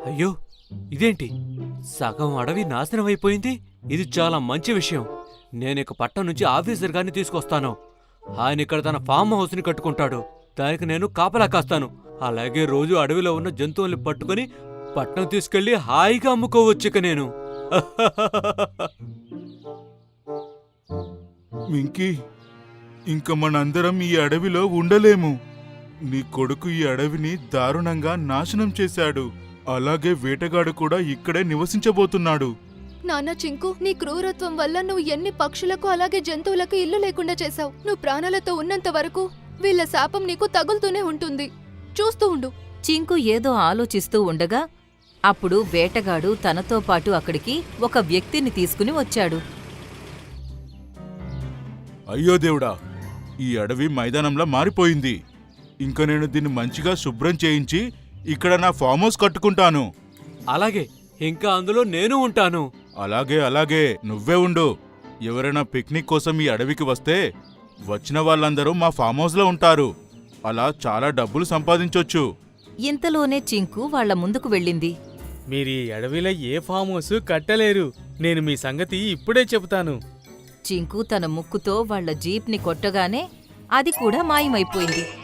అయ్యో, ఇదేంటి సగం అడవి నాశనం అయిపోయింది? ఇది చాలా మంచి విషయం. నేనిక పట్టణం నుంచి ఆఫీసర్ గారిని తీసుకొస్తాను. ఆయన ఇక్కడ తన ఫామ్ హౌస్ ని కట్టుకుంటాడు. దానికి నేను కాపలా కాస్తాను. అలాగే రోజు అడవిలో ఉన్న జంతువుల్ని పట్టుకుని పట్నం తీసుకెళ్లి హాయిగా అమ్ముకోవచ్చుక నేను. మింకీ, ఇంక మనందరం ఈ అడవిలో ఉండలేము. నీ కొడుకు ఈ అడవిని దారుణంగా నాశనం చేశాడు. అలాగే వేటగాడు కూడా ఇక్కడే నివసించబోతున్నాడు. నాన్న చింకు, నీ క్రూరత్వం వల్ల నువ్వు ఎన్ని పక్షులకు అలాగే జంతువులకు ఇల్లు లేకుండా చేశావు. నువ్వు ప్రాణాలతో ఉన్నంత వరకు వీళ్ళ శాపం నీకు తగులుతూనే ఉంటుంది. చూస్తూ ఉండు. చింకు ఏదో ఆలోచిస్తూ ఉండగా అప్పుడు వేటగాడు తనతో పాటు అక్కడికి ఒక వ్యక్తిని తీసుకుని వచ్చాడు. అయ్యో దేవుడా, ఈ అడవి మైదానంలా మారిపోయింది. ఇంక నేను దీన్ని మంచిగా శుభ్రం చేయించి ఇక్కడ నా ఫామ్ హౌస్ కట్టుకుంటాను. అలాగే, ఇంకా అందులో నేను ఉంటాను. అలాగే అలాగే, నువ్వే ఉండు. ఎవరైనా పిక్నిక్ కోసం ఈ అడవికి వస్తే వచ్చిన వాళ్ళందరూ మా ఫామ్ హౌస్లో ఉంటారు. అలా చాలా డబ్బులు సంపాదించొచ్చు. ఇంతలోనే చింకు వాళ్ల ముందుకు వెళ్ళింది. మీరీ అడవిలో ఏ ఫామ్ హౌస్ కట్టలేరు. నేను మీ సంగతి ఇప్పుడే చెబుతాను. చింకు తన ముక్కుతో వాళ్ల జీప్ని కొట్టగానే అది కూడా మాయమైపోయింది.